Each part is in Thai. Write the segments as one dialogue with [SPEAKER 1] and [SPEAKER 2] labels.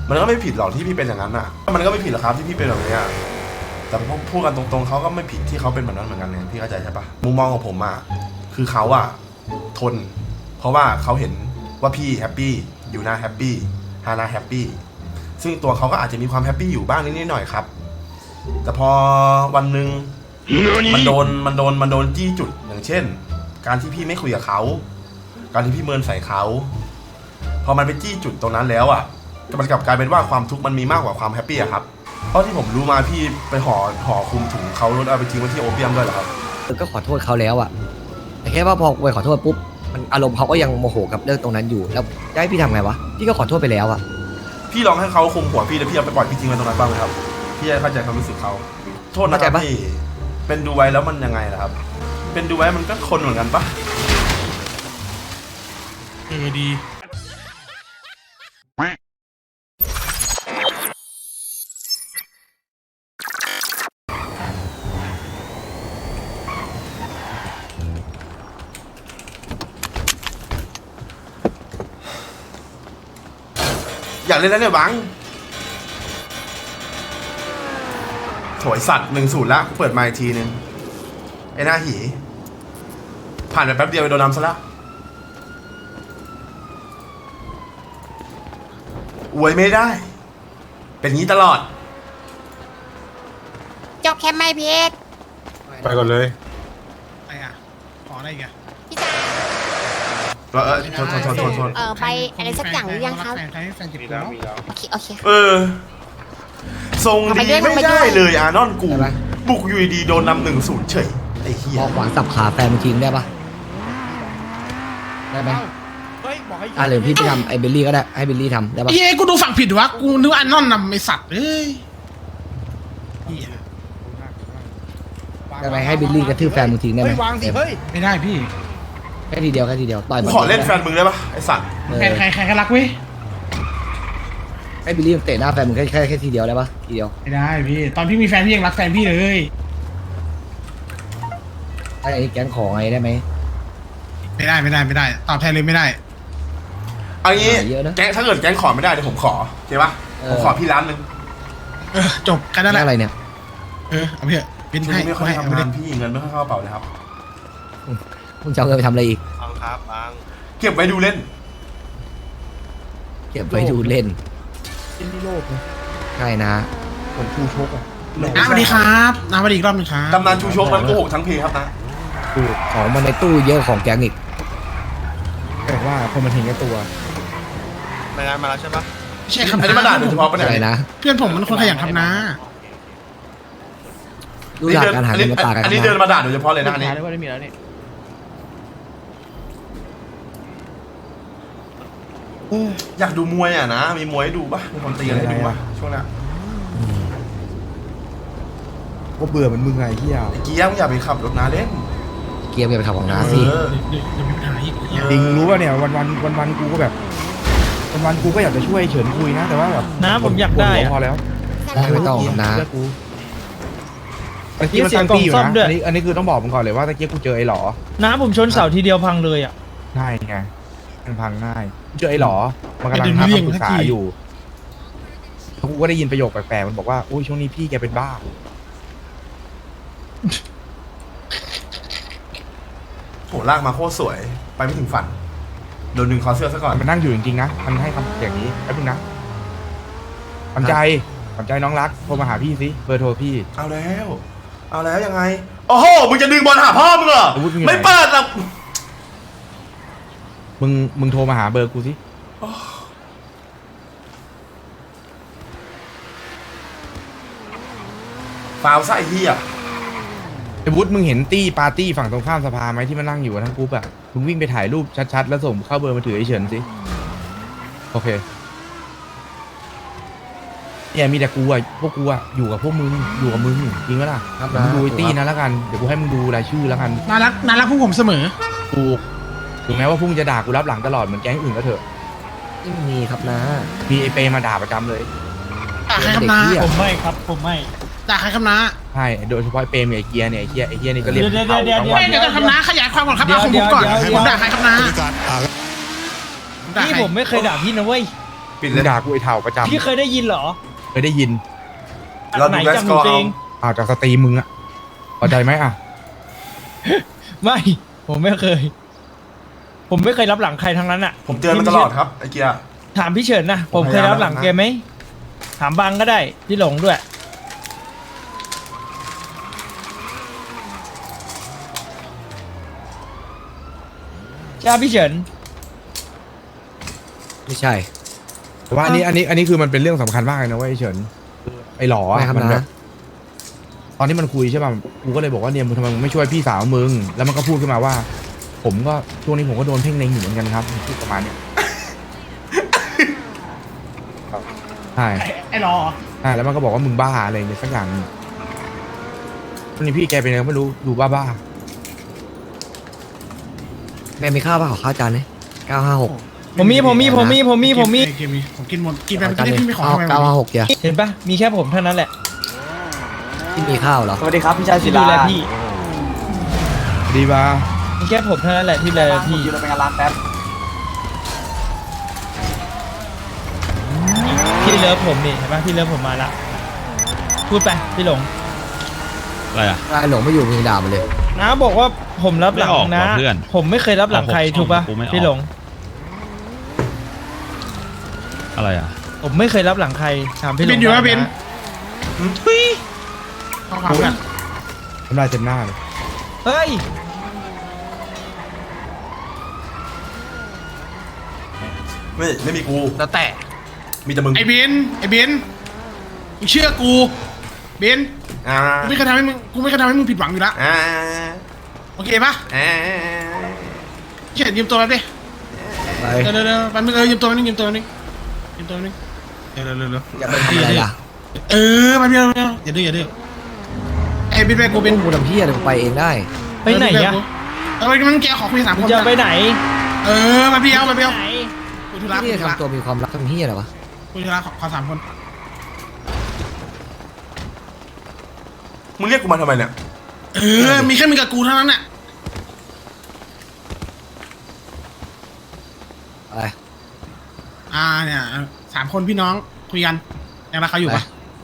[SPEAKER 1] มันก็ไม่ผิดหรอกที่พี่เป็นอย่างนั้นอ่ะมันก็ไม่ผิดหรอกครับที่พี่เป็นแบบนี้แต่พูดกันตรงๆเขาก็ไม่ผิดที่เขาเป็นแบบนั้นเหมือนกันเนี่ยพี่เข้าใจใช่ปะมุมมองของผมอ่ะคือเขาอ่ะทนเพราะว่าเขาเห็นว่าพี่แฮปปี้อยู่หน้าแฮปปี้ฮานาแฮปปี้ซึ่งตัวเขาก็อาจจะมีความแฮปปี้อยู่บ้างนิดๆหน่อยๆครับแต่พอวันหนึ่งมันโดนจี้จุดอย่างเช่นการที่พี่ไม่คุยกับเขาการที่พี่เมินใส่เขาพอมันไปจี้จุดตรงนั้นแล้วอ่ะมันกลับกลายเป็นว่าความทุกข์มันมีมากกว่าความแฮปปี้อะครับเพราะที่ผมรู้มาพี่ไปห่อคลุมถุงเขาแล้วเอาไปทิ้งไว้ที่โอเปียมด้วยเหรอครับ
[SPEAKER 2] ก็ขอโทษเขาแล้วอะแต่แค่ว่าพอไปขอโทษปุ๊บมันอารมณ์เขาก็ยังโมโหกับเรื่องตรงนั้นอยู่แล้วจะให้พี่ทำไงวะพี่ก็ขอโทษไปแล้วอะ
[SPEAKER 1] พี่ลองให้เขาคุมหัวพี่แล้วพี่เอาไปปล่อยพี่ทิ้งไว้ตรงนั้นบ้างไหมครับพี่จะเข้าใจความรู้สึกเขาโทษนะครับพี่เป็นดูไว้แล้วมันยังไงล่ะครับเป็นดูไว้มันก็คนเหมือนกันปะ
[SPEAKER 3] ดี
[SPEAKER 1] อยากเล่นแล้วเนี่ยบังโถยสัตว์1-0ละเปิดมาอีกทีนึงไอ้หน้าหีผ่านไปแป๊บเดียวไปโดนนำซะแล้วอวยไม่ได้ เป็นงี้ตลอด
[SPEAKER 4] จบแค่ไม่เพชร
[SPEAKER 5] ไปก่อนเลย
[SPEAKER 3] อะไรอ่ะขออะไรอีกอ่ะ
[SPEAKER 4] พี่จ๋า
[SPEAKER 1] โทษ
[SPEAKER 4] ไปอะไรสักอย่างหรือยังครับ
[SPEAKER 3] แฟนใครให้แฟนเจ็บตัว
[SPEAKER 4] โอเค
[SPEAKER 1] ทรงดีไม่ได้เลยอานอนกูบุกอยู่ดีโดนนำ1-0เฉยไอ้เหี้ย
[SPEAKER 2] พอขวางสับขาแฟนมันทิ้งได้ปะได้ไหมหรือพี่ไปทำไอ้เบลลี่ก็ได้ให้เบลลี่ทำได้ปะ
[SPEAKER 3] เฮ้ยกูดูฝั่งผิดวะกูนึกว่าอันนอนนำไอสัตว์เอ้ย
[SPEAKER 2] ได้ไหมให้เบลลี่กระทืบแฟนมึงทิ้งได้ไหม
[SPEAKER 3] ไม่ได้พี่
[SPEAKER 2] แค่ทีเดียวต่อย
[SPEAKER 1] กูขอเล่นแฟนมึงได้ปะไอ้สัตว์
[SPEAKER 3] แฟนใครก็รักเว้ย
[SPEAKER 2] ให้เบลลี่เตะหน้าแฟนมึงแค่ทีเดียวได้ปะทีเดียว
[SPEAKER 3] ไม่ได้พี่ตอนพี่มีแฟนพี่ยังรักแฟนพี่เลย
[SPEAKER 2] ไอ้แก๊งของไงได้ไหม
[SPEAKER 3] ไม่ได้ตอบแทนเลยไม่ได้
[SPEAKER 1] เอางี้แก๊งถ้าเกิดแก๊งขอไม่ได้เดี๋ยวผมขอโอเคปะผมขอพี่ร้านนึง
[SPEAKER 3] จบกันนั่นแหละ
[SPEAKER 2] อะไรเนี่ย
[SPEAKER 3] เอาเถอะเป็น
[SPEAKER 1] ช่วง
[SPEAKER 3] ให้
[SPEAKER 1] นี้ไม่ค่อย
[SPEAKER 3] เอา
[SPEAKER 1] ทำ
[SPEAKER 3] ไป
[SPEAKER 1] งานพี่เงินไม่ค่อยเข้ากระเป๋าเลยครับ
[SPEAKER 2] มึงจะเอาเงินไปทำอะไรอีก
[SPEAKER 5] บังครับบัง
[SPEAKER 1] เก็บไว้ดูเล่น
[SPEAKER 2] เก็บไว้ดูเล่นใช่นะ
[SPEAKER 3] น้าสวัสดีครับน้าสวัสดีอีกรอบนึงครับ
[SPEAKER 1] ตำนานชูชกมันโกหกทั้งเพครับนะ
[SPEAKER 2] ของมันในตู้เยอะของแก๊งอีก
[SPEAKER 6] แต่ว่าคนมันเห็นแก่ตัว
[SPEAKER 5] รายงานมาแล้วใช่ปะ
[SPEAKER 3] ไม่ใช่คำ
[SPEAKER 1] อันนี้มาด่าโดยเฉพาะปะเนี่ย
[SPEAKER 2] อะไรนะ
[SPEAKER 3] เพื่อนผมมันคนขยันทำนะ
[SPEAKER 2] ดูหลักการหาเงินมาตากัน
[SPEAKER 1] อันนี้เดินมาด่าโดยเฉพาะเลยนะอันนี้อยากดูมวยอ่ะนะมีมวยให้ดูปะมีคนตีกันให้ดูปะช่วงนี้
[SPEAKER 6] ก็เบื่อเหมือนมึงไงเฮีย
[SPEAKER 1] ไอ้เกียร์มึงอย่าไปขับรถนาเล่น
[SPEAKER 2] เกียร์ไปขับของน้าสิ
[SPEAKER 3] เดี๋ยวมีปัญหาอีก
[SPEAKER 6] จริงรู้ป่ะเนี่ยวันกูก็แบบวันกูก็อยากจะช่วยเฉินคุยนะแต่ว่าแบบ
[SPEAKER 7] น้าผมอยากได้
[SPEAKER 6] พอแล้ว
[SPEAKER 2] ไม่ต้องนะ
[SPEAKER 6] เชื่อกูตะกี้มันตั้งตีอยู่นะอันนี้คือต้องบอกมึงก่อนเลยว่าตะกี้กูเจอไอ้หลอ
[SPEAKER 7] น้าผมชนเสาทีเดียวพังเลยอ่ะ
[SPEAKER 6] ง่ายไงมันพังง่ายเจอไอ้หลอมันกำลังทำคำปรึกษาอยู่กูก็ได้ยินประโยคแปลกๆมันบอกว่าอุ้ยช่วงนี้พี่แกเป็นบ้า
[SPEAKER 1] โหลากมาโคตรสวยไปไม่ถึงฝันโดนดึงคอเสื้อซะก่อน
[SPEAKER 6] มันนั่งอยู่จริงๆนะมันให้คำอย่างนี้แป๊บนึงนะขวัญใจน้องรักโทรมาหาพี่สิเบอร์โทรพี่
[SPEAKER 1] เอาแล้วยังไงโอ้โหมึงจะดึงบอลหาพ่อมึงเหรอ
[SPEAKER 6] อาวุธมึงอยู่ไหน
[SPEAKER 1] ไม่เปิดหรอก
[SPEAKER 6] มึงโทรมาหาเบอร์กูสิ
[SPEAKER 1] ฟาวซะไอ้เหี้ย
[SPEAKER 6] ไอ้วุฒิมึงเห็นตี้ปาร์ตี้ฝั่งตรงข้ามสภาไหมที่มันนั่งอยู่กันทั้งกรุ๊ปอะมึงวิ่งไปถ่ายรูปชัดๆแล้วส่งเข้าเบอร์มาถือไอ้เฉินสิโอเคเนี่ยมีแต่กูอะพวกกูอะอยู่กับพวกมึงอยู่กับมึงจริงไหมล่ะเดี๋ยวมึงดูไอ้ตี้นะแล้วกันเดี๋ยวกูให้มึงดูรายชื่อแล้วกัน
[SPEAKER 3] น่ารักพวกผมเสมอ
[SPEAKER 6] กูถึงแม้ว่าพวกมึงจะด่ากูรับหลังตลอดเหมือนแก๊งอื่นก็เถอะ
[SPEAKER 2] ไม่มีครับนะ
[SPEAKER 6] มีไอ้เปมาด่าประจำเลย
[SPEAKER 3] ด่าใครคำนา
[SPEAKER 7] ผมไม่ครับ ผมไม่
[SPEAKER 3] ด่าใครคำนา
[SPEAKER 6] ใช่โดยเฉพาะไอ้เปมกับไอ้เกียร์เนี่ยไอ้เกียร์นี่ก็เรียก
[SPEAKER 7] เดี๋ยว
[SPEAKER 6] เผา
[SPEAKER 7] เดี๋ยว
[SPEAKER 6] ทั้ง
[SPEAKER 7] เดี๋ยว
[SPEAKER 6] วัน
[SPEAKER 3] เดี๋ยวคำนาขยายความก่อนครับเอาของผมก่อนผมด่าใครคำนา
[SPEAKER 7] พี่ผมไม่เคยด่าพี่นะเว้ย
[SPEAKER 1] ปิด
[SPEAKER 6] มึ
[SPEAKER 1] เลย
[SPEAKER 6] งด่ากูไอ้เถ่าประจำ
[SPEAKER 7] พี่เคยได้ยินเหรอ
[SPEAKER 6] เคยได้ยิน
[SPEAKER 1] เรา
[SPEAKER 7] ไหน
[SPEAKER 1] ดูแล
[SPEAKER 7] จำ
[SPEAKER 1] ส
[SPEAKER 7] ห
[SPEAKER 1] ก
[SPEAKER 7] นู
[SPEAKER 1] อร์
[SPEAKER 7] เอ
[SPEAKER 1] เอา
[SPEAKER 7] ง
[SPEAKER 6] อ้าวจากสตรีมมึงอะพอใจไหมอะ
[SPEAKER 7] ไม่ ผมไม่เคย ผมไม่เคยรับหลังใครทั้งนั้นอ่ะ
[SPEAKER 1] ผมเตือนมันตลอดครับไอ้เกียร์
[SPEAKER 7] ถามพี่เฉินนะ
[SPEAKER 1] ผ
[SPEAKER 7] ผม ม
[SPEAKER 1] พ
[SPEAKER 7] เค
[SPEAKER 1] ยาย ยาม
[SPEAKER 7] รับหลัง
[SPEAKER 1] แล้วนะ
[SPEAKER 7] แกไหม ถามบังก็ได้ พี่หลงด้วย ใช่พี่เฉิน
[SPEAKER 2] ไม่ใช่
[SPEAKER 6] แต่ว่าอันนี้คือมันเป็นเรื่องสำคัญมากเลยนะเว้ยไอ้เฉินไอ้หล่อ
[SPEAKER 2] ไม่
[SPEAKER 6] อะ
[SPEAKER 2] ครับ
[SPEAKER 6] มันแบบ
[SPEAKER 2] นะ
[SPEAKER 6] ตอนที่มันคุยใช่ป่ะกูก็เลยบอกว่าเนี่ยมึงทำไมมึงไม่ช่วยพี่สาวมึงแล้วมันก็พูดขึ้นมาว่า ผมก็ช่วงนี้ผมก็โดนเพ่งเล็งอยู่เหมือนกันครับพูดประมาณเนี้ยครับใช่
[SPEAKER 3] ไอ้รอ
[SPEAKER 6] ใช่แล้วมันก็บอกว่ามึงบ้าอะไรเนี่ยสักอย่างหนึ่งวันนี้พี่แกเป็นไงไม่รู้ดูบ้า
[SPEAKER 2] แม่มีข้าวป่ะขอข้าวจานนี้956
[SPEAKER 7] ผมมี
[SPEAKER 3] ผมกินหมดกินไป
[SPEAKER 2] จาน
[SPEAKER 3] ไม่
[SPEAKER 2] นี้
[SPEAKER 3] ได้พี่ไม่ขอทำไม
[SPEAKER 2] 956เดียว
[SPEAKER 7] เห็นปะมีแค่ผมเท่านั้นแหละ
[SPEAKER 2] ที่มีข้าวเหรอ
[SPEAKER 8] สวัสดีครับพี่ชายศิ
[SPEAKER 7] ที่ดู
[SPEAKER 8] ลา
[SPEAKER 7] แลพี่
[SPEAKER 6] ๆดีบ้า
[SPEAKER 7] มีแค่ผมเท่านั้นแหละที่ดูแล
[SPEAKER 8] ผม
[SPEAKER 7] พี่
[SPEAKER 8] อยู่ในงานร้านแป๊บ
[SPEAKER 7] พี่เลิฟผมนี่เห็นปะพี่เลิฟผมมาละ พูดไปพี่หลง
[SPEAKER 9] อะไรอ่ะ
[SPEAKER 2] ไอ้หลงไม่อยู่มึงด่ามันเลย
[SPEAKER 7] น้าบอกว่าผมรับหลัง
[SPEAKER 9] ไม่ออก
[SPEAKER 7] นะ
[SPEAKER 9] ว่ะเพื่อน
[SPEAKER 7] ผมไม่เคยรับหลังใคร
[SPEAKER 9] เอาผม
[SPEAKER 7] ถูกปะ
[SPEAKER 9] กูไม่ออก
[SPEAKER 7] พี่หลง
[SPEAKER 9] อะไรอ่ะ
[SPEAKER 7] ผมไม่เคยรับหลังใครถามพี่หลง
[SPEAKER 3] บินอยู่ว่าบิน
[SPEAKER 7] นะ
[SPEAKER 3] ข้อความกัน
[SPEAKER 6] ทำลายเต็มหน้าเลย
[SPEAKER 7] เฮ้ย
[SPEAKER 1] ไม่มีกู
[SPEAKER 2] แล้วแต่
[SPEAKER 1] มีแต่มึง
[SPEAKER 3] ไอ้บินมึงเชื่อกูบิน
[SPEAKER 1] อ่า
[SPEAKER 3] กูไม่เคยทำให้มึงผิดหวังอยู่แล้ว
[SPEAKER 1] อ่า
[SPEAKER 3] โอเคปะ
[SPEAKER 1] อ่า
[SPEAKER 3] เขียนยืมตัวแป๊บดิ
[SPEAKER 2] ไป
[SPEAKER 3] เดี๋ยวแป๊บนึงยืมตัวนึงเร็ว
[SPEAKER 2] อย่าไปทำอะไรล่ะ
[SPEAKER 3] แป๊บเดียวอย่าดื้อไอ้บินไปกูบิน
[SPEAKER 2] กูทำเพี้ยอะไรกูไปเองได้
[SPEAKER 7] ไปไหนอะ
[SPEAKER 3] มันแกขอคุย3
[SPEAKER 7] มึ
[SPEAKER 3] ค
[SPEAKER 7] ง
[SPEAKER 3] น
[SPEAKER 7] จะไปไหน
[SPEAKER 3] มาเบี้ยว
[SPEAKER 7] ไหน
[SPEAKER 3] คุยธุระ
[SPEAKER 2] นี่ทำตัวมีความรักทำเพี้ยอะไรวะ
[SPEAKER 3] คุยธุระขอ3 คน
[SPEAKER 1] มึงเรียกกูมาทำไมเนี่ย
[SPEAKER 3] มีแค่มึงกับกูเท่านั้นน่ะ
[SPEAKER 2] อะไร
[SPEAKER 3] เนี่ย3 คนพี่น้องคุยกันยังรักเขาอยู่ปะ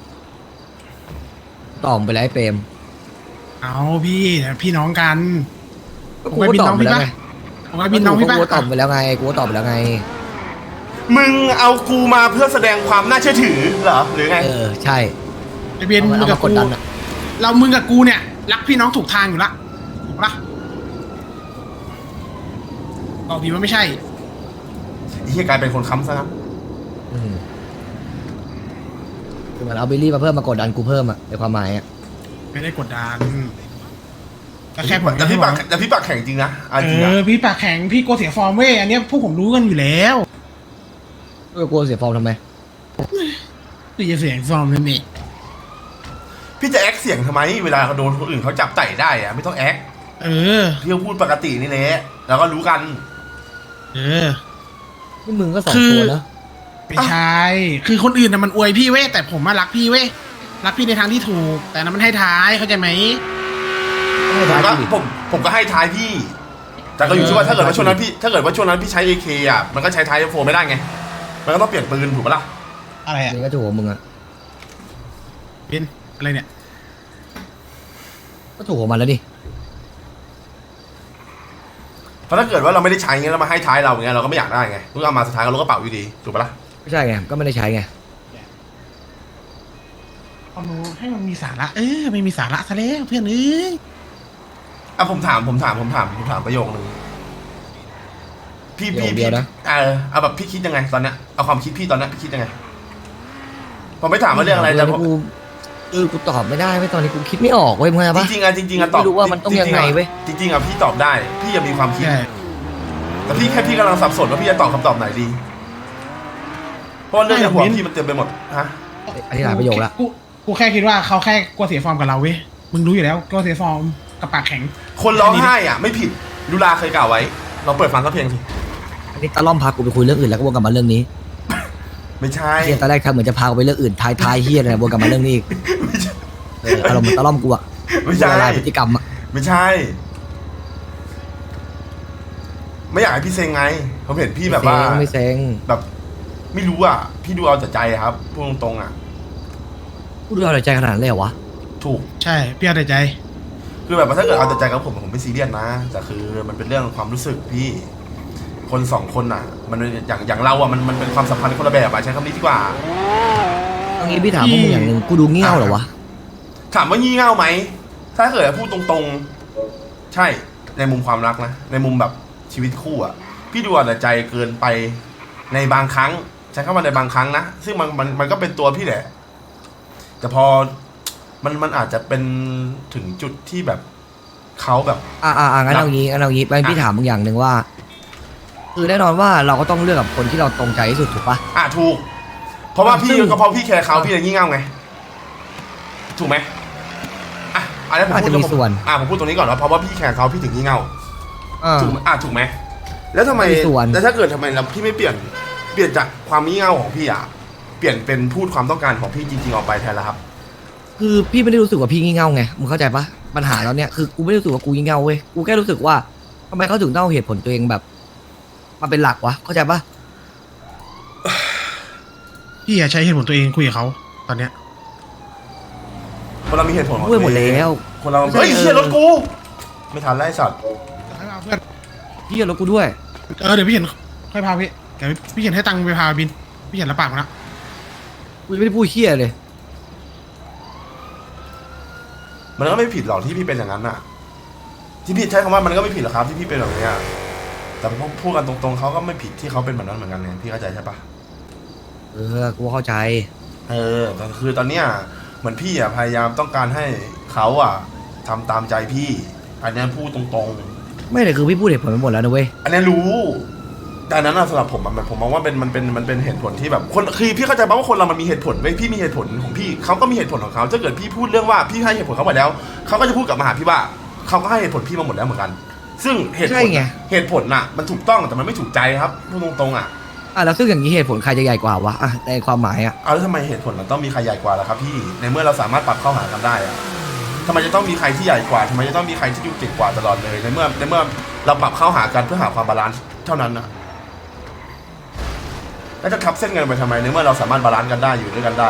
[SPEAKER 2] ตอบไปแล้วไอ้เปรม
[SPEAKER 3] เอาพี่น้องกัน
[SPEAKER 2] กูก็ตอบไปแล้วไง
[SPEAKER 3] ผมว่าบินน้องพี่
[SPEAKER 2] กู
[SPEAKER 3] ปะ
[SPEAKER 2] ก็ตอบไปแล้วไงกูก็ตอบไปแล้วไง
[SPEAKER 1] มึงเอากูมาเพื่อแสดงความน่าเชื่อถือเหรอหรือไง
[SPEAKER 2] ใช่
[SPEAKER 3] ไอเบียนมึง
[SPEAKER 2] เอา
[SPEAKER 3] กับ
[SPEAKER 2] มากด
[SPEAKER 3] กู
[SPEAKER 2] ดันอะ
[SPEAKER 3] มึงกับกูเนี่ยรักพี่น้องถูกทางอยู่ละถูกปะบอกดีว่าไม่ใช่
[SPEAKER 1] ไอ้เหี้ยกลายเป็นคนค้ำซะงั้น
[SPEAKER 2] อืมคือมันเอาบิลลี่มาเพิ่มมากดดันกูเพิ่มอะในความหมายอะ
[SPEAKER 3] ไม่ได้กดดันก็แค่ผม
[SPEAKER 1] แต่พี่ปากแข็งจริงนะอ่ะจริงนะ
[SPEAKER 3] พี่ปากแข็งพี่กลัวเสียฟอร์มเว้ยอันเนี้ยพวกผมรู้กันอยู่แล้ว
[SPEAKER 2] กูเสียฟอร์มทำไม
[SPEAKER 3] พี่จะเสียฟอร์มนั่นเอง
[SPEAKER 1] พี่จะแอคเสียงทำไมเวลาเขาโดนคนอื่นเขาจับไต่ได้อะไม่ต้องแอค พี่ก็พูดปกตินี่แหละแล้วก็รู้กัน
[SPEAKER 2] นี่มึงก็สอง
[SPEAKER 3] คือ
[SPEAKER 2] ตัวนะ
[SPEAKER 3] ไม่ใช่คือคนอื่นน่ะมันอวยพี่เว้ยแต่ผมมารักพี่เว้ยรักพี่ในทางที่ถูก แต่นั้นมันให้ท้ายเข้าใจไหม
[SPEAKER 2] ไม่
[SPEAKER 1] ผม
[SPEAKER 2] ท้าย
[SPEAKER 1] ก็
[SPEAKER 2] กูดิ
[SPEAKER 1] ผมก็ให้ท้ายพี่ แต่ก็อยู่ที่ว่าถ้าเกิดว่าช่วงนั้นพี่ใช้ AK อ่ะมันก็ใช้ท้ายโฟไม่ได้ไง มันก็ต้องเปลี่ยนปืนถูกปะล่ะ
[SPEAKER 3] อะไรอ่ะ
[SPEAKER 2] นี่ก็ถูกของมึงอะ
[SPEAKER 3] เป็นอะไรเนี่ย
[SPEAKER 2] ก็ถูกของมันแล้วดิ
[SPEAKER 1] เพราะถ้าเกิดว่าเราไม่ได้ใช้เงี้ยแล้วมาให้ท้ายเราเงี้ยเราก็ไม่อยากได้ไงเมื่อเอามาสุดท้ายก็ลดกระเป๋าอยู่ดีถูกปะล่ะ
[SPEAKER 2] ไม่ใช่ไงก็ไม่ได้ใช้ไง
[SPEAKER 3] ความรู้ให้มันมีสาระไม่มีสาระซะแล้วเพื่อนเอ้ย
[SPEAKER 1] อ่ะผมถามประโยคนึงพี่เอาแบบพี่คิดยังไงตอนเนี้ยเอาความคิดพี่ตอนเนี้ยพี่คิดยังไงผมไม่ถามว่าเรื่องอะไรแต่ผม
[SPEAKER 2] กูตอบไม่ได้เว้ยตอนนี้กูคิดไม่ออกเว้ยมึงไงปะ
[SPEAKER 1] จริงๆอะตอบ
[SPEAKER 2] ไม่รู้ว่ามันต้องยังไงเว้ย
[SPEAKER 1] จริงๆอะพี่ตอบได้ พี่ยังมีความคิด แต่พี่กำลังสับสนว่าพี่จะตอบคำตอบไหนดีเพราะว่าเรื่องในหัวพี่มันเต็มไปหมดฮะ
[SPEAKER 2] อันนี้หลายประโยคละ
[SPEAKER 3] กูแค่คิดว่าเขาแค่กลัวเสียฟอร์มกับเราเว้ยมึงรู้อยู่แล้วกลัวเสียฟอร์มกับปากแข็ง
[SPEAKER 1] คนร้องไห้อ่ะไม่ผิดลุลาเคยกล่าวไว้เราเปิดฟังสักเพลงสิ
[SPEAKER 2] อันนี้ตะล่อมพากูไปคุยเรื่องอื่นแล้วก็วนกลับมาเรื่องนี้
[SPEAKER 1] ไม่ใช่
[SPEAKER 2] เฮียตอนแรกทำเหมือนจะพากูไปเรื่องอื่นท้ายเฮียเลยวนกลับมาเรื่องนี้อีก
[SPEAKER 1] ไม่ใช่
[SPEAKER 2] อารมณ์ตะล่อมกูอะ
[SPEAKER 1] ไม่ใช่
[SPEAKER 2] ละลายพฤติกรรมอะ
[SPEAKER 1] ไม่ใช่ ไม่อยากให้พี่เซ็งไงผมเห็นพี่แบบว่า
[SPEAKER 2] ไม่เซ็ง
[SPEAKER 1] แบบไม่รู้อ่ะพี่ดูเอาแต่ใจครับพูดตรงๆอ่ะ
[SPEAKER 2] พูดเอาแต่ใจขนาดนั้นเลยเหรอวะ
[SPEAKER 1] ถูก
[SPEAKER 3] ใช่พี่เอาแต่ใจ
[SPEAKER 1] คือแบบว่าถ้าเกิดเอาแต่ใจกับผมไม่ซีเรียสนะแต่คือมันเป็นเรื่องความรู้สึกพี่คนสองคนอ่ะ มันอย่างเราอ่ะมันเป็นความสัมพันธ์คนละแบบอ่ะใช้คำนี้ดีกว่า
[SPEAKER 2] เอางี้พี่ถามพวกมึงอย่างหนึ่งกูดูเงี้ยวเหรอวะ
[SPEAKER 1] ถามว่างี่เง่าไหมถ้าเกิดพูดตรงๆใช่ในมุมความรักนะในมุมแบบชีวิตคู่อ่ะพี่ดูเอาแต่ใจเกินไปในบางครั้งใช้คำว่าในบางครั้งนะซึ่งมันก็เป็นตัวพี่แหละแต่พอมันอาจจะเป็นถึงจุดที่แบบเขาแบบ
[SPEAKER 2] งั้นเอางี้ไปพี่ถามมึงอย่างหนึ่งว่า คือแน่นอนว่าเราก็ต้องเลือกกับคนที่เราตรงใจที่สุดถูกปะ
[SPEAKER 1] ถูกเพราะว่าพี่
[SPEAKER 2] ซึ่ง
[SPEAKER 1] ก็เพราะพี่แคร์เขาพี่เลยงี่เง่าไงถูกไหมอันนี้ผม
[SPEAKER 2] อาจ
[SPEAKER 1] พูด
[SPEAKER 2] จะมีส่วน
[SPEAKER 1] ผมพูดตรงนี้ก่อนว่าเพราะว่าพี่แคร์เขาพี่ถึงงี่เง่า
[SPEAKER 2] อ่า
[SPEAKER 1] ถูกไหมแล้วทำไม
[SPEAKER 2] มีส่วน
[SPEAKER 1] แล้วถ้าเกิดทำไมเราพี่ไม่เปลี่ยนจากความงี่เง่าของพี่เปลี่ยนเป็นพูดความต้องการของพี่จริงๆออกไปแทนแล้วครับ
[SPEAKER 2] คือพี่ไม่ได้รู้สึกว่าพี่งี่เง่าไงมึงเข้าใจปะปัญหาเราเนี่ยคือกูไม่ได้รู้สึกว่ากูงี่เง่าเว้ยกูแค่รู้สึกว่าทำไมเขาถึงต้องเอาเหตุผลตัวเองแบบมาเป็นหลักวะเข้าใจปะ
[SPEAKER 3] พี่ใช้เหตุผลตัวเองคุยกับเขาตอนเนี้ย
[SPEAKER 1] คนเรามีเหตุผลของ
[SPEAKER 2] พูดหมดแล้ว
[SPEAKER 1] คนเราเฮ้ยเชี่ยรถกู ไม่ทันไล่สัตว์
[SPEAKER 3] ให้พาเพื่อน
[SPEAKER 2] พี่อย่ารบกูด้วย
[SPEAKER 3] เดี๋ยวพี่เห็นค่อยพาพี่เดี๋ยวพี่เห็นให้ตังค์ไปพาบินพี่เห็นรับปากมาแล้ว
[SPEAKER 2] กูยังไม่ได้พูดเฮี้ยเลย
[SPEAKER 1] มันก็ไม่ผิดหรอกที่พี่เป็นอย่างนั้นน่ะ ที่พี่ใช้คำว่ามันก็ไม่ผิดหรอกครับที่พี่เป็นแบบเนี้ยแต่พอพูดกันตรงๆเขาก็ไม่ผิดที่เขาเป็นแบบนั้นเหมือนกันไงพี่เข้าใจใช่ปะ
[SPEAKER 2] กูเข้าใจ
[SPEAKER 1] แต่คือตอนเนี้ยเหมือนพี่พยายามต้องการให้เขาทำตามใจพี่อันนี้พูดตรงๆ
[SPEAKER 2] ไม่แต่คือพี่พูดเหตุผลไปหมดแล้วนะเว้ย
[SPEAKER 1] อันนี้รู้แต่อันนั้นสำหรับผมผมมองว่ามันเป็นเหตุผลที่แบบคนคือพี่เข้าใจป่ะว่าคนเรามันมีเหตุผลเว้ยพี่มีเหตุผลของพี่เขาก็มีเหตุผลของเขาถ้าเกิดพี่พูดเรื่องว่าพี่ให้เหตุผลเขาไปแล้วเขาก็จะพูดกลับมาหาพี่ว่าเขาก็ให้เหตุผลพี่มาหมดแล้วเหมือนกัน ซึ่งเหตุผ
[SPEAKER 2] ใช่
[SPEAKER 1] ล
[SPEAKER 2] ไง
[SPEAKER 1] เหตุผลน่ะมันถูกต้องแต่มันไม่ถูกใจครับพูดตรงๆ
[SPEAKER 2] แล้วซึ่งอย่างนี้เหตุผลใครจะใหญ่กว่าวะในความหมาย
[SPEAKER 1] แล้วทำไมเหตุผลมันต้องมีใครใหญ่กว่าล่ะครับพี่ในเมื่อเราสามารถปรับเข้าหากันได้ทำไมจะต้องมีใครที่ใหญ่กว่าทำไมจะต้องมีใครที่ดูเก่งกว่าตลอดเลยในเมื่อเราปรับเข้าหากันเพื่อหาความบาลานซ์เท่านั้นนะแล้วจะทับเส้นกันไปทำไมในเมื่อเราสามารถบาลานซ์กันได้อยู่ด้วยกันได้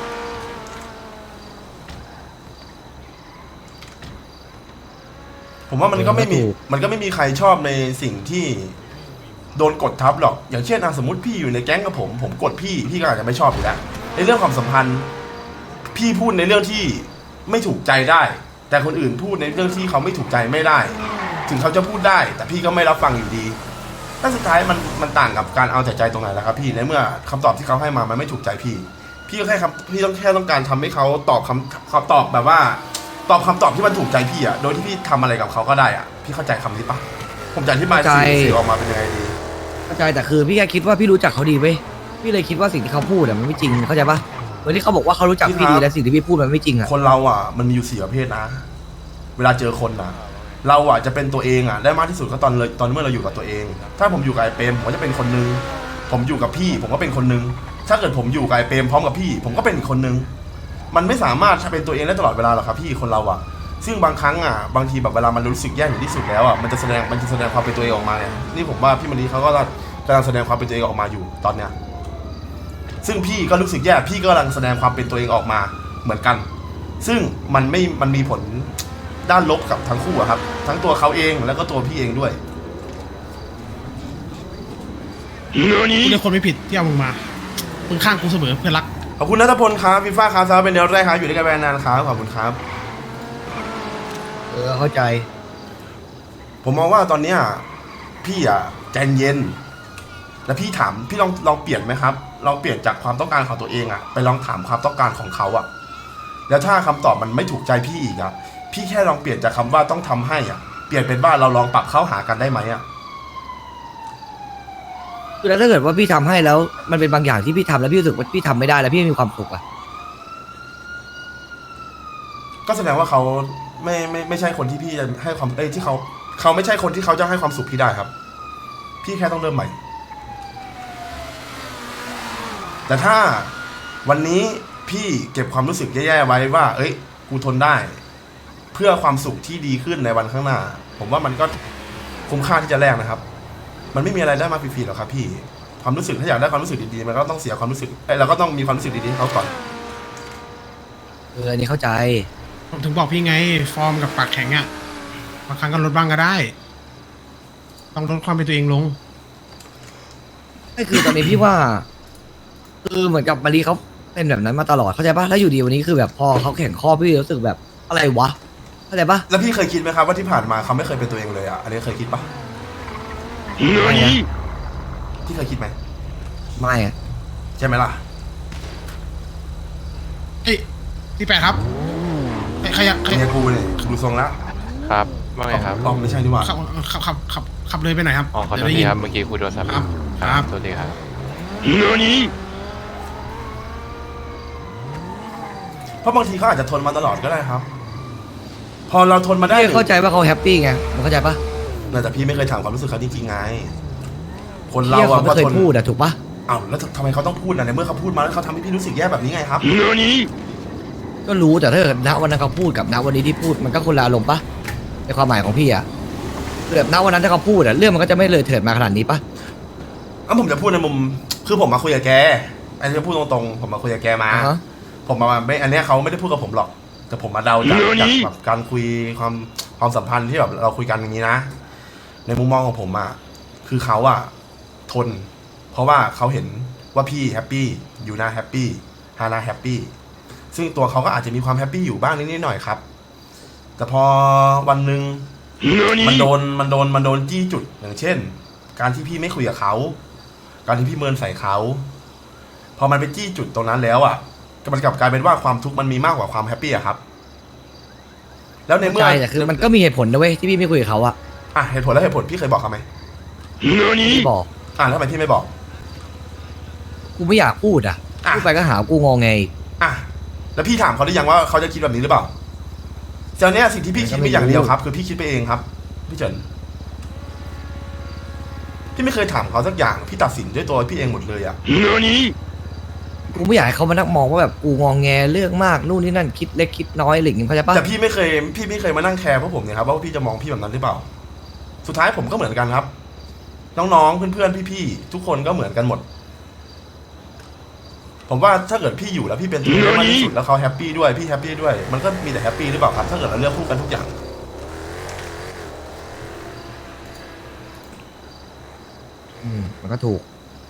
[SPEAKER 1] ผมว่ามันก็ไม่มีใครชอบในสิ่งที่โดนกดทับหรอกอย่างเช่นสมมติพี่อยู่ในแก๊งกับผมกดพี่ก็อาจจะไม่ชอบอยู่แล้วในเรื่องความสัมพันธ์พี่พูดในเรื่องที่ไม่ถูกใจได้แต่คนอื่นพูดในเรื่องที่เขาไม่ถูกใจไม่ได้ถึงเขาจะพูดได้แต่พี่ก็ไม่รับฟังอยู่ดีแล้วสุดท้ายมันต่างกับการเอาแต่ใจตรงไหนล่ะครับพี่ในเมื่อคำตอบที่เขาให้มามันไม่ถูกใจพี่ก็พี่ต้องการทำให้เขาตอบคำตอบแบบว่าตอบคำตอบที่มันถูกใจพี่โดยที่พี่ทำอะไรกับเขาก็ได้พี่เข้าใจคำนี้ปะผมจะอธิบายสื่อออกมาเป็นยังไงดี
[SPEAKER 2] เข้าใจแต่คือพี่แค่คิดว่าพี่รู้จักเขาดีเว้ยพี่เลยคิดว่าสิ่งที่เขาพูดมันไม่จริงเข้าใจปะเหมือนที่เขาบอกว่าเขารู้จักพี่ดีและสิ่งที่พี่พูดมันไม่จริง
[SPEAKER 1] คนเรามันมีอยู่4ประเภทนะเวลาเจอคนเราจะเป็นตัวเองได้มากที่สุดก็ตอนเมื่อเราอยู่กับตัวเองถ้าผมอยู่กับไอ้เปรมผมก็จะเป็นคนนึงผมอยู่กับพี่ผมก็เป็นคนนึงถ้าเกิดผมอยู่กับไอ้เปรมพร้อมกับพี่ผมก็เป็นอีกคนนึงมันไม่สามารถเป็นตัวเองได้ตลอดเวลาหรอกครับพี่คนเราซึ่งบางครั้งบางทีแบบเวลามันรู้สึกแย่อยู่ที่สุดแล้วมันจะแสดงความเป็นตัวเองออกมานี่ผมว่าพี่มณีเขาก็กำลังแสดงความเป็นตัวเองออกมาอยู่ตอนเนี้ยซึ่งพี่ก็รู้สึกแย่พี่ก็กำลังแสดงความเป็นตัวเองออกมาเหมือนกันซึ่งมันมีผลด้านลบกับทั้งคู่ครับทั้งตัวเขาเองแล้วก็ตัวพี่เองด้วย
[SPEAKER 3] กูเป็นคนไม่ผิดที่เอามึงมามึงข้างกูเสมอเพื่อนรัก
[SPEAKER 1] ขอบคุณนัทพลครับพี่ฟ้าครับเป็นเดือนแรกครับอยู่ด้วยกันนานครับขอบคุณครับ
[SPEAKER 2] เข้าใจ
[SPEAKER 1] ผมมองว่าตอนเนี้ยพี่ใจเย็นแล้วพี่ถามพี่ลองเปลี่ยนไหมครับลองเปลี่ยนจากความต้องการของตัวเองไปลองถามความต้องการของเขาแล้วถ้าคำตอบมันไม่ถูกใจพี่อีกพี่แค่ลองเปลี่ยนจากคำว่าต้องทำให้เปลี่ยนเป็นว่าเราลองปรับเข้าหากันได้ไหม
[SPEAKER 2] คือแล้วถ้าเกิดว่าพี่ทำให้แล้วมันเป็นบางอย่างที่พี่ทำแล้วพี่รู้สึกว่าพี่ทำไม่ได้แล้วพี่ไม่มีความสุข
[SPEAKER 1] ก็แสดงว่าเขาไม่ใช่คนที่พี่จะให้ความที่เขาไม่ใช่คนที่เขาจะให้ความสุขพี่ได้ครับพี่แค่ต้องเริ่มใหม่แต่ถ้าวันนี้พี่เก็บความรู้สึกแย่ๆไว้ว่ากูทนได้เพื่อความสุขที่ดีขึ้นในวันข้างหน้าผมว่ามันก็คุ้มค่าที่จะแลกนะครับมันไม่มีอะไรได้มาฟรีๆหรอกครับพี่ผความรู้สึกถ้าอยากได้ความรู้สึกดีๆมันก็ต้องเสียความรู้สึกเราก็ต้องมีความรู้สึกดีๆให้เขาก่อน
[SPEAKER 2] อันนี้เข้าใจ
[SPEAKER 3] ผมถึงบอกพี่ไง ฟอร์มกับปากแข็งอะบางครั้งก็ลดบ้างก็ได้ ต้องลดความเป็นตัวเองลง
[SPEAKER 2] ไม่คือตอนนี้พี่ว่าคือเหมือนกับมารีเขาเป็นแบบนั้นมาตลอดเข้าใจปะแล้วอยู่ดีวันนี้คือแบบพอเขาแข่งข้อพี่รู้สึกแบบอะไรวะเข้าใจปะ
[SPEAKER 1] แล้วพี่เคยคิดไหมครับว่าที่ผ่านมาเขาไม่เคยเป็นตัวเองเลยอ่ะอันนี้เคยคิดปะ
[SPEAKER 2] ไม่นะ
[SPEAKER 1] พี่เคยคิดไหม
[SPEAKER 2] ไม่อะ
[SPEAKER 1] ใช่ไหมล่ะ
[SPEAKER 3] เฮ้ยที่แปดครับใครอยากใคร
[SPEAKER 1] ไม่ใช่กูเนี่ยดูทรงแล้ว
[SPEAKER 8] ครับว่าไงครับ
[SPEAKER 1] อ๋อไม่ใช่นี่หว่า
[SPEAKER 3] ขับเลยไปหน่อยครับ
[SPEAKER 8] อ๋อขอโทษ
[SPEAKER 3] เดี๋ยวได้
[SPEAKER 8] ที
[SPEAKER 3] ยิน
[SPEAKER 8] ครับ เมื่อกี้คุยโทรศัพท์
[SPEAKER 3] ครับครับ
[SPEAKER 8] สวัสดีครับ
[SPEAKER 1] เพราะบางทีเขาอาจจะทนมาตลอดก็ได้ครับ พอเราทนมาได้
[SPEAKER 2] พี่เข้าใจว่าเขาแฮปปี้ไงมึงเข้าใจปะ
[SPEAKER 1] แต่พี่ไม่เคยถามความรู้สึกเขาจริงๆไง คนเรา
[SPEAKER 2] เที่ย
[SPEAKER 1] อะ
[SPEAKER 2] เขาไม่เคย
[SPEAKER 1] ทน
[SPEAKER 2] พูดอะถูกปะ
[SPEAKER 1] อ้าวแล้วทำไมเขาต้องพูดอะในเมื่อเขาพูดมาแล้วเขาทำให้พี่รู้สึกแย่แบบนี้ไงครับ
[SPEAKER 2] ก็รู้แต่ถ้าเกิดณวันนั้นเขาพูดกับณวันนี้ที่พูดมันก็คนละอารมณ์ปะในความหมายของพี่อะคือแบบณวันนั้นถ้าเขาพูดอะเรื่องมันก็จะไม่เลยเถิดมาขนาดนี้ปะ
[SPEAKER 1] ผมจะพูดในมุมคือผมมาคุยกับแกอันนี้พูดตรงๆผมมาคุยกับแกมา
[SPEAKER 2] อ่าฮะ
[SPEAKER 1] ผมมาไม่อันเนี้ยเขาไม่ได้พูดกับผมหรอก แต่ผมมาเดาจากแบบการคุยความสัมพันธ์ที่แบบเราคุยกันอย่างนี้นะ ในมุมมองของผมอะคือเขาอะทน เพราะว่าเขาเห็นว่าพี่แฮปปี้อยู่นาแฮปปี้ฮานาแฮปปี้ซึ่งตัวเขาก็อาจจะมีความแฮปปี้อยู่บ้างนิดๆหน่อยๆครับ แต่พอวันหนึ่งมันโดนจี้จุดอย่างเช่น การที่พี่ไม่คุยกับเขาการที่พี่เมินใส่เขาพอมันไปจี้จุดตรงนั้นแล้วอ่ะมันกลับกลายเป็นว่าความทุกข์มันมีมากกว่าความแฮปปี้อะครับ แล้วในเมื่อ
[SPEAKER 2] ใช่แต่คือมันก็มีเหตุผลนะเว้ยที่พี่ไม่คุยกับเขาอะ
[SPEAKER 1] อ่ะเหตุผลแล้วเหตุผลพี่เคยบอกเขาไหม
[SPEAKER 2] พี่บอก
[SPEAKER 1] แล้วทำไมพี่ไม่บอก
[SPEAKER 2] กูไม่อยากพูดอะ
[SPEAKER 1] อ่ะ
[SPEAKER 2] พูดไปก็หากูงอไง
[SPEAKER 1] อ่ะแล้วพี่ถามเขาหรือยังว่าเขาจะคิดแบบนี้หรือเปล่าเจ้าเนี้ยสิ่งที่พี่คิดมีอย่างเดียวครับ คือพี่คิดไปเองครับ พี่เฉินพี่ไม่เคยถามเขาสักอย่างพี่ตัดสินด้วยตัวพี่เองหมดเลยอ่ะ
[SPEAKER 2] กูไม่อยากให้เขามานั่งมองว่าแบบกูงองแงเรื่องมากนู่นนี่นั่นคิดเล็กคิดน้อยอะไรอย่างเงี้ยเข้าใจปะ
[SPEAKER 1] แต่พี่ไม่เคยมานั่งแคร์พวกผมเนี่ยครับว่าพี่จะมองพี่แบบนั้นหรือเปล่า สุดท้ายผมก็เหมือนกันครับ น้องๆเพื่อนๆพี่ๆทุกคนก็เหมือนกันหมด ผมว่าถ้าเกิดพี่อยู่แล้วพี่เป็นตัวเองมากที่สุดแล้วเขาแฮปปี้ด้วยพี่แฮปปี้ด้วยมันก็มีแต่แฮปปี้หรือเปล่าครับถ้าเกิดเราเลือกคู่กันทุกอย่าง
[SPEAKER 2] มันก็ถูก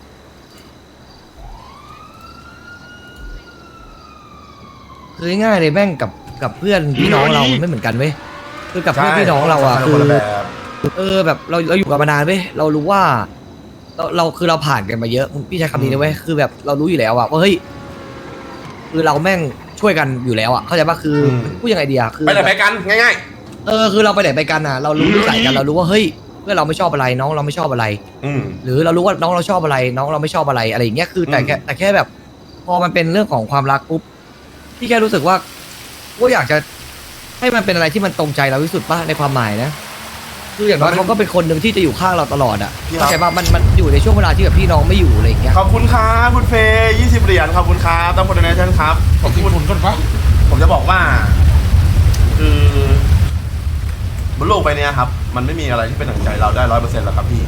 [SPEAKER 2] คือง่ายๆเลยแม่งกับเพื่อนพี่น้องเรามันไม่เหมือนกันเว้ยคือกับเพื่อนพี่น้องเราอะ
[SPEAKER 1] ใช่
[SPEAKER 2] คื
[SPEAKER 1] คน
[SPEAKER 2] อ
[SPEAKER 1] ละแบบ
[SPEAKER 2] แบบเราอยู่กันมานานเว้ยเรารู้ว่าเราคือเราผ่านกันมาเยอะพี่ใช้คำนี้นะเว้ยคือแบบเรารู้อยู่แล้วอะว่าเฮ้ยคือเราแม่งช่วยกันอยู่แล้วอะเข้าใจปะคือพูดยังไงดีอะคือ
[SPEAKER 1] ไปไหนไปกันง่าย
[SPEAKER 2] คือเราไปไหนไปกันอะเรารู้นิสัยกันเรารู้ว่าเฮ้ยเพื่อนเราไม่ชอบอะไรน้องเราไม่ชอบอะไร
[SPEAKER 1] ๆ
[SPEAKER 2] หรือเรารู้ว่าน้องเราชอบอะไร น้องเราไม่ชอบอะไรอะไรอย่างเงี้ยคือแต่แค่แบบ พอมันเป็นเรื่องของความรักปุ๊บพี่แค่รู้สึกว่าอยากจะให้มันเป็นอะไรที่มันตรงใจเราที่สุดป่ะในความหมายนะคืออย่างน้อยเขาก็เป็นคนหนึ่งที่จะอยู่ข้างเราตลอดอ่ะเข้าใจป่ะมันอยู่ในช่วงเวลาที่แบบพี่น้องไม่อยู่อะไรอย่างเงี้ย
[SPEAKER 1] ขอบคุณครับคุณเฟย์20 เหรียญขอบคุณครับตั้งคนในนั้นครับขอบคุณ
[SPEAKER 3] ผลก่อนปะ
[SPEAKER 1] ผมจะบอกว่า คือบนโลกใบนี้ครับ มันไม่มีอะไรที่เป็นดั่งใจเราได้100%หรอกครับพี่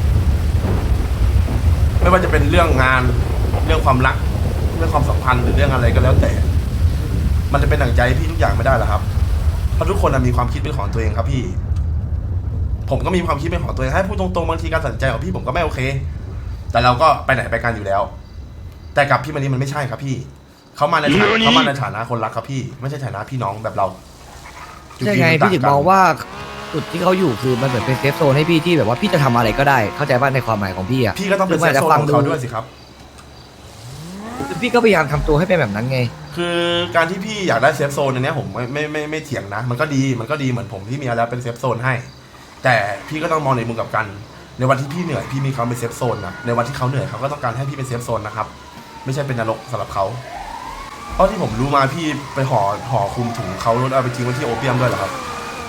[SPEAKER 1] ไม่ว่าจะเป็นเรื่องงานเรื่องความรักเรื่องความสัมพันธ์หรือเรื่องอะไรก็แล้วแต่ มันจะเป็นดั่งใจพี่ทุกอย่างไม่ได้หรอกครับเพราะทุกคนมีความคิดเป็นของตัวเองครับพี่ ผมก็มีความคิดเป็นของตัวเองให้พูดตรงๆบางทีการตัดสินใจของพี่ผมก็ไม่โอเค แต่เราก็ไปไหนไปกันอยู่แล้ว แต่กับพี่มันนี่มันไม่ใช่ครับพี่เขามาในฐานะคนรักครับพี่ไม่ใช่ฐานะพี่น้องแบบเรา
[SPEAKER 2] ใช่ไงพี่ถึงมองว่าจุดที่เขาอยู่คือมันเหมือนเป็นเซฟโซนให้พี่ที่แบบว่าพี่จะทำอะไรก็ได้เข้าใจป่ะในความหมายของพี่อ่ะ
[SPEAKER 1] พี่ก็ต้องเป็นเซฟโซนของเขาด้วยสิครับ
[SPEAKER 2] คือพี่ก็พยายามทำตัวให้เป็นแบบนั้นไง
[SPEAKER 1] คือการที่พี่อยากได้เซฟโซนอันเนี้ยผมไม่เถียงนะมันก็ดีเหมือนผมที่มีแล้วเป็นเซฟโซนให้ แต่พี่ก็ต้องมองในมุมกลับกันในวันที่พี่เหนื่อยพี่มีเขาเป็นเซฟโซนนะในวันที่เขาเหนื่อยเขาก็ต้องการให้พี่เป็นเซฟโซนนะครับไม่ใช่เป็นนรกสำหรับเขาเพราะที่ผมรู้มาพี่ไปห่อคลุมถุงเขาแล้วเอาไปทิ้งไว้ที่โอเปียมด้วยเหรอครับ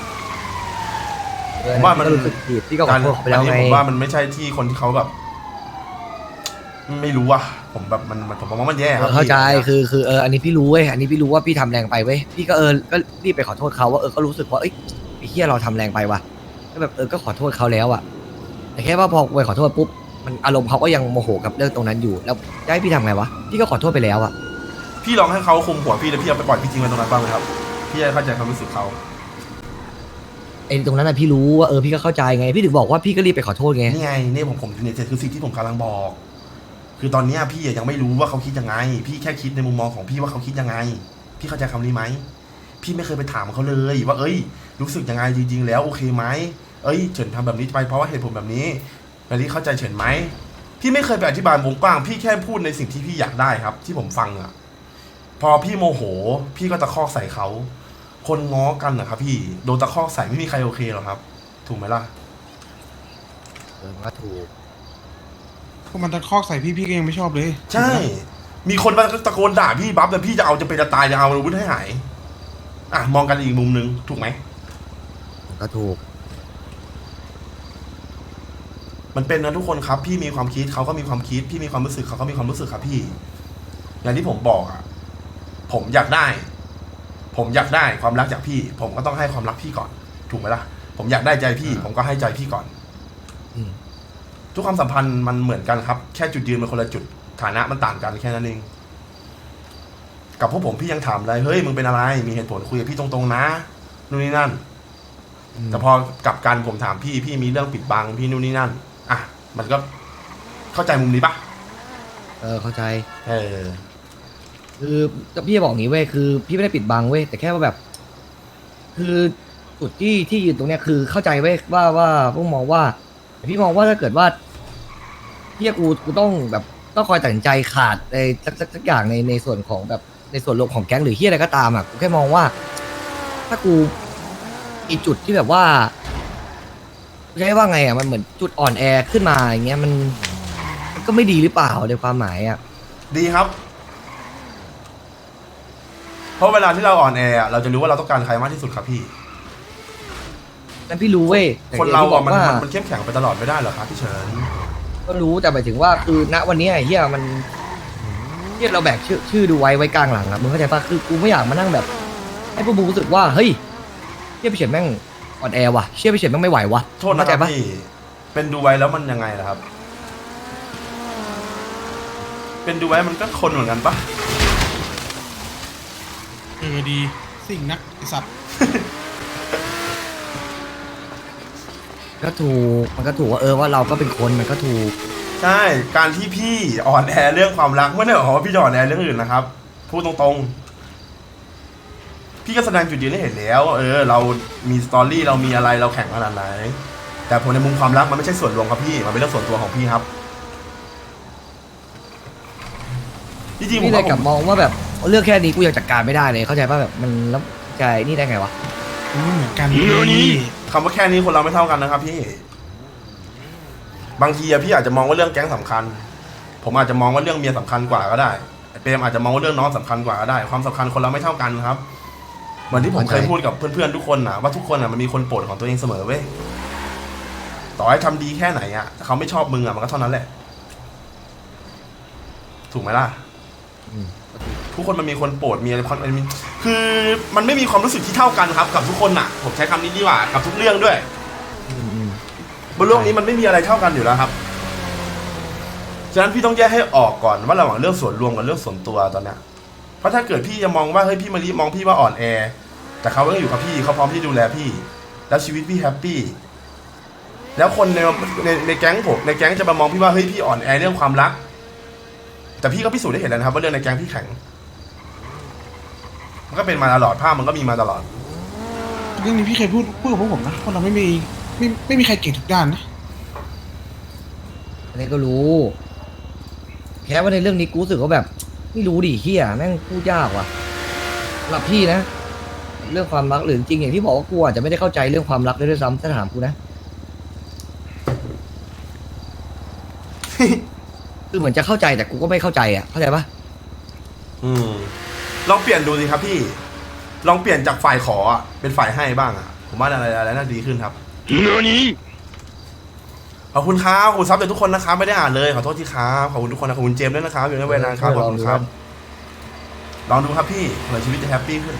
[SPEAKER 1] ผมว่ามัน
[SPEAKER 2] ก็รู้สึกผิดพี่ก็ขอโทษเขาไปแล้วไง
[SPEAKER 1] ผมว่ามันไม่ใช่ที่คนที่เขาแบบ ไม่รู้อะผมแบบผมมองว่ามันแย่ครับ
[SPEAKER 2] เข้าใจ
[SPEAKER 1] พี่
[SPEAKER 2] คืออันนี้พี่รู้เว้ยอันนี้พี่รู้ว่าพี่ทำแรงไปเว้ยพี่ก็ก็รีบไปขอโทษเขาว่าก็รู้สึกว่าเอ้ยไอ้เหี้ยเราทำแรงไปว่ะก็แบบก็ขอโทษเขาแล้วอะแต่แค่ว่าพอไปขอโทษปุ๊บมันอารมณ์เขาก็ยังโมโหกับเรื่องตรงนั้นอยู่ แล้วจะให้พี่ทำไงวะพี่ก็ขอโทษไปแล้วอะ
[SPEAKER 1] พี่ลองให้เขาคุมหัวพี่แล้วพี่เอาไปปล่อยพี่ทิ้งไว้ตรงนั้นบ้างไหมครับพี่จะเข้าใจความรู้สึกเขา
[SPEAKER 2] ไอ้ตรงนั้นอะพี่รู้ว่าพี่ก็เข้าใจไงพี่ถึงบอกว่าพี่ก็รีบไปขอโทษไง
[SPEAKER 1] นี่ไงนี่ผมเนี่ยคือสิ่งที่ผมกำลังบอก คือตอนเนี้ยพี่ยังไม่รู้ว่าเขาคิดยังไง พี่แค่คิดในมุมมองของพี่ว่าเขาคิดยังไง พี่เข้าใจคำนี้ไหมพี่ไม่เคยไปถามเขาเลยว่าเอ้ยรู้สึกยังไงจริงๆแล้วโอเคไหมเอ้ยเฉินทำแบบนี้ไปเพราะว่าเหตุผลแบบนี้แบบนี้เข้าใจเฉินไหมพี่ไม่เคยไปอธิบายวงกว้างพี่แค่พูดในสิ่งที่พี่อยากได้ครับ ที่ผมฟังอ่ะพอพี่โมโห พี่ก็ตะคอกใส่เขาคนง้อกันนะครับพี่โดนตะคอกใส่ไม่มีใครโอเคหรอกครับ ถูกไหมล่ะ
[SPEAKER 2] มันก็ถูก
[SPEAKER 3] พวกมันตะคอกใส่พี่ก็ยังไม่ชอบเลย
[SPEAKER 1] ใช่ มีคนมาตะโกนด่าพี่บัฟแต่พี่จะเอาจะเป็นจะตายจะเอาอาวุธให้หายอ่ะมองกันอีกมุมนึงถูกไหม
[SPEAKER 2] มันก็ถูก
[SPEAKER 1] มันเป็นนะทุกคนครับ พี่มีความคิดเขาก็มีความคิด พี่มีความรู้สึกเขาก็มีความรู้สึกครับพี่ อย่างที่ผมบอกอ่ะผมอยากได้ความรักจากพี่ ผมก็ต้องให้ความรักพี่ก่อน ถูกไหมล่ะ ผมอยากได้ใจพี่ ผมก็ให้ใจพี่ก่อน
[SPEAKER 2] อืม
[SPEAKER 1] ทุกความสัมพันธ์มันเหมือนกันครับ แค่จุดยืนมันคนละจุดฐานะมันต่างกันแค่นั้นเองกับพวกผมพี่ยังถามเลยเฮ้ยมึงเป็นอะไรมีเหตุผลคุยกับพี่ตรงๆนะนู่นนี่นั่น แต่พอกลับกันผมถามพี่มีเรื่องปิดบังพี่นู่นนี่นั่นอ่ะมันก็เข้าใจมุมนี้ปะ
[SPEAKER 2] เข้าใจ
[SPEAKER 1] เออ
[SPEAKER 2] คือพี่จะบอกงี้เว้ยคือพี่ไม่ได้ปิดบังเว้ยแต่แค่ว่าแบบ คือจุดที่ยืนตรงเนี้ยคือเข้าใจเว้ยว่าพวกมองว่าพี่มองว่าถ้าเกิดว่าพี่กูต้องแบบต้องคอยตัดสินใจขาดในสักอย่างในส่วนของแบบในส่วนรวมของแก๊งหรือที่อะไรก็ตามอ่ะกูแค่มองว่า ถ้ากูอีจุดที่แบบว่าใช้ว่าไงอ่ะมันเหมือนจุดอ่อนแอขึ้นมาอย่างเงี้ยมันก็ไม่ดีหรือเปล่าในความหมายอ่ะ
[SPEAKER 1] ดีครับ เพราะเวลาที่เราอ่อนแออะเราจะรู้ว่าเราต้องการใครมากที่สุดครับพี่
[SPEAKER 2] นั่นพี่รู้เว้ยแต่
[SPEAKER 1] คนเรา
[SPEAKER 2] อย่งที่บ
[SPEAKER 1] อ่ะ
[SPEAKER 2] อก
[SPEAKER 1] มัน
[SPEAKER 2] ว่า
[SPEAKER 1] มันเข้มแข็งไปตลอดไม่ได้หรอกครับพี่เฉิน
[SPEAKER 2] ก็รู้แต่หมายถึงว่าคือณวันนี้ไอ้เฮียมันเฮียเราแบกชื่อดูไว้กลางหลังอะมึงเข้าใจปะคือกูไม่อยากมานั่งแบบ ให้พวกมึงรู้สึกว่าเฮ้ยเฮียไปเฉียนแม่งอ่อนแอว่ะเชี่ยไปเฉียนแม่งไม่ไหวว่ะ
[SPEAKER 1] โทษนะ
[SPEAKER 2] เข้า
[SPEAKER 1] ค
[SPEAKER 2] ใจ
[SPEAKER 1] รับ
[SPEAKER 2] ปะ
[SPEAKER 1] พี่เป็นดูไว้แล้วมันยังไงล่ะครับ เป็นดูไว้มันก็คนเหมือนกันปะ
[SPEAKER 3] ดีสิ่งนักไอสัตว์
[SPEAKER 2] ก็ถูกมันก็ถูกว่าว่าเราก็เป็นคนมันก็ถูก
[SPEAKER 1] ใช่การที่พี่อ่อนแอเรื่องความรักไม่ได้หมายความว่าพี่จะอ่อนแอเรื่องอื่นนะครับพูดตรงๆพี่ก็แสดงจุดยืนให้เห็นแล้ว เรามีสตอรี่เรามีอะไรเราแข่งขนาดไหนแต่ผมในมุมความรักมันไม่ใช่ส่วนรวมครับพี่มันเป็นเรื่องส่วนตัวของพี่ครับจริงๆผม
[SPEAKER 2] นี่เลย
[SPEAKER 1] ว่า
[SPEAKER 2] กลับมองว่าแบบเรื่องแค่นี้กูยังจัดการไม่ได้เลยเข้าใจปะแบบมันแล้วใจนี่ได้ไงวะ
[SPEAKER 3] มันไม่เหมือนกันนี่
[SPEAKER 1] คำว่าแค่นี้คนเราไม่เท่ากันนะครับพี่บางทีอะพี่อาจจะมองว่าเรื่องแก๊งสำคัญ ผมอาจจะมองว่าเรื่องเมียสำคัญกว่าก็ได้เปรมอาจจะมองว่าเรื่องน้องสำคัญกว่าก็ได้ความสำคัญคนเราไม่เท่ากันครับเหมือนที่ผมเคยพูดกับเพื่อนๆทุกคนนะว่าทุกคนอะมันมีคนโปรดของตัวเองเสมอเว้ยต่อให้ทำดีแค่ไหนอะแต่เขาไม่ชอบมึงอะมันก็เท่านั้นแหละถูกไหมล่ะ ทุกคนมันมีคนโปรดมีอะไรมันมีคือมันไม่มีความรู้สึกที่เท่ากันครับ กับทุกคนน่ะ ผมใช้คำนี้ดีกว่ากับทุกเรื่องด้วยบนโลกนี้มันไม่มีอะไรเท่ากันอยู่แล้วครับฉะนั้นพี่ต้องแยกให้ออกก่อนว่าระหว่างเรื่องส่วนรวมกับเรื่องส่วนตัวตอนเนี้ยเพราะถ้าเกิดพี่จะมองว่าเฮ้ยพี่มารีมองพี่ว่าอ่อนแอแต่เขาก็อยู่กับพี่เขาพร้อมที่ดูแลพี่ แล้วชีวิตพี่แฮปปี้แล้วคนในแก๊งผมในแก๊งจะมามองพี่ว่าเฮ้ยพี่อ่อนแอเรื่องความรักแต่พี่ก็พิสูจน์ได้เห็นแล้วนะครับว่าเรื่องในแก๊งพี่แข็งมันก็เป็นมาตลอดภาพมันก็มีมาตลอด
[SPEAKER 3] เรื่องนี้พี่เคยพูดกับพวกผมนะคนเราไม่มีใครเก่งทุกด้านนะ
[SPEAKER 2] อันนี้ก็รู้แค่ว่าในเรื่องนี้กูรู้สึกว่าแบบไม่รู้ดิเฮียแม่งพูดยากว่ะสำหรับพี่นะ เรื่องความรักหรือจริงอย่างที่บอกว่ากูอาจจะไม่ได้เข้าใจเรื่องความรักด้วยซ้ำถ้าถามกูนะ คือเหมือนจะเข้าใจแต่กูก็ไม่เข้าใจอ่ะเข้าใจปะ
[SPEAKER 1] ลองเปลี่ยนดูสิครับพี่ลองเปลี่ยนจากฝ่ายขออะเป็นฝ่ายให้บ้างอะผมว่าอะไรน่าดีขึ้นครับขอบคุณครับขอบคุณซับจากทุกคนนะครับไม่ได้อ่านเลยขอโทษทีครับขอบคุณทุกคนนะขอบคุณเจมส์ด้วยนะครับอยู่ในเวลานานครับขอบคุณครับลองดูครับพี่เผื่อชีวิตจะแฮปปี้ขึ้น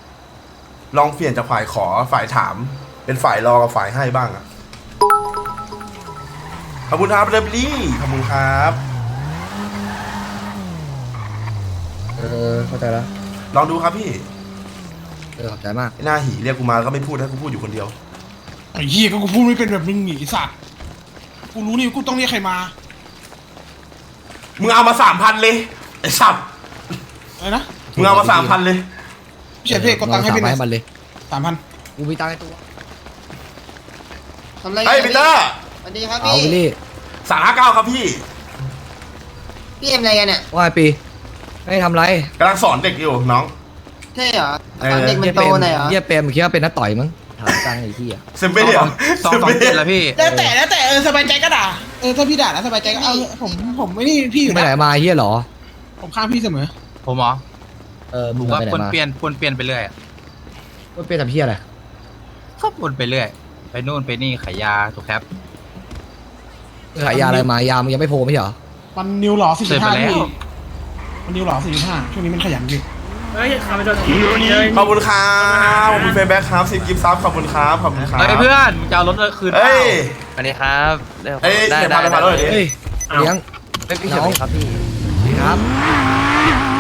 [SPEAKER 1] ลองเปลี่ยนจากฝ่ายขอฝ่ายถามเป็นฝ่ายรอกับฝ่ายให้บ้างอะขอบคุณครับเรบลี่ขอบคุณครับ
[SPEAKER 2] เข้าใจแล้ว
[SPEAKER 1] ลองดูครับพี่
[SPEAKER 2] ขอบใจมาก
[SPEAKER 1] ไอ้หน้าหีเรียกกูมาก็ไม่พูดให้กูพูดอยู่คนเดียว
[SPEAKER 3] ไอ้เหี้ยก็กูพูดไม่เป็นแบบมึงหนีสัตว์กูรู้นี่กูต้องเรียกใครมา
[SPEAKER 1] มึงเอามา3,000เลยไอ้สัตว์
[SPEAKER 3] อะไรนะ
[SPEAKER 1] มึงเอามา3,000เลย
[SPEAKER 3] พี่เฉยเพ่กดตังค์ให้พี่หน่อย
[SPEAKER 2] มันเลย
[SPEAKER 3] 3,000
[SPEAKER 2] กูมีตังค์ในตัว
[SPEAKER 10] ทำอะไร
[SPEAKER 1] เฮ้ยปีเตอร์
[SPEAKER 10] สวัสดีครับ
[SPEAKER 2] เอา
[SPEAKER 10] พี่
[SPEAKER 2] ไปดิ
[SPEAKER 1] 359ครับพี่
[SPEAKER 10] พี่เอ็มอะไรกันเนี่ย
[SPEAKER 2] ว่าไงปีไม่ทำไร
[SPEAKER 1] กำลังสอนเด็กอยู่น้อง
[SPEAKER 10] ใช่เหรอตอนเด็กมันโตหน่อยเหรอ
[SPEAKER 2] เยี่ยเปรมคิดว่าเป็นนักต่อยมั้งถามตังค์ไอ้ที่อ่ะ
[SPEAKER 1] เซมเบ้เหรอ
[SPEAKER 5] 227แล้วพี่
[SPEAKER 3] แล้วแต่สบายใจก็ด่าถ้าพี่ด่าแล้วสบายใจก็เอาผมไม่นี่พี่อยู่
[SPEAKER 2] ไปไหน
[SPEAKER 3] นะ
[SPEAKER 2] มาเฮียเหรอ
[SPEAKER 3] ผมข้างพี่เสมอ
[SPEAKER 5] ผมเหรอ
[SPEAKER 2] มึง
[SPEAKER 5] ว่า
[SPEAKER 2] ไปไหน
[SPEAKER 5] ปน
[SPEAKER 2] มา
[SPEAKER 5] เปลี่ยนไปเรื่อย
[SPEAKER 2] เปลี่ยนทำเฮียอะไร
[SPEAKER 5] ก็ปนไปเรื่อย ไปนู่นไปนี่ขายยาถูกครับ
[SPEAKER 2] ขายยาอะไรมายามึงยังไม่โพไม่ใช่เหรอ
[SPEAKER 3] มันนิวหล่อ
[SPEAKER 5] เสร็จไป
[SPEAKER 3] 45
[SPEAKER 5] แล้ว
[SPEAKER 3] พี่มันนิวหล่อ45ช่วงนี้มันขยันพี่
[SPEAKER 1] ขอบคุณครับขอบคุณเฟย์แบ็คครับ10กิฟต์ซับขอบคุณครับขอบคุณครับ
[SPEAKER 5] เฮ้ยเพื่อนมึงจะเอารถคืนเป
[SPEAKER 1] เฮ้
[SPEAKER 5] ล่า
[SPEAKER 1] ย
[SPEAKER 8] สวัสดีครับ
[SPEAKER 1] เอ้ยเดี๋ยวพาไปพาเลยดิ
[SPEAKER 2] เฮ้ยเลี้ยง
[SPEAKER 5] ไม่ใช่ครับพี่
[SPEAKER 2] ครับ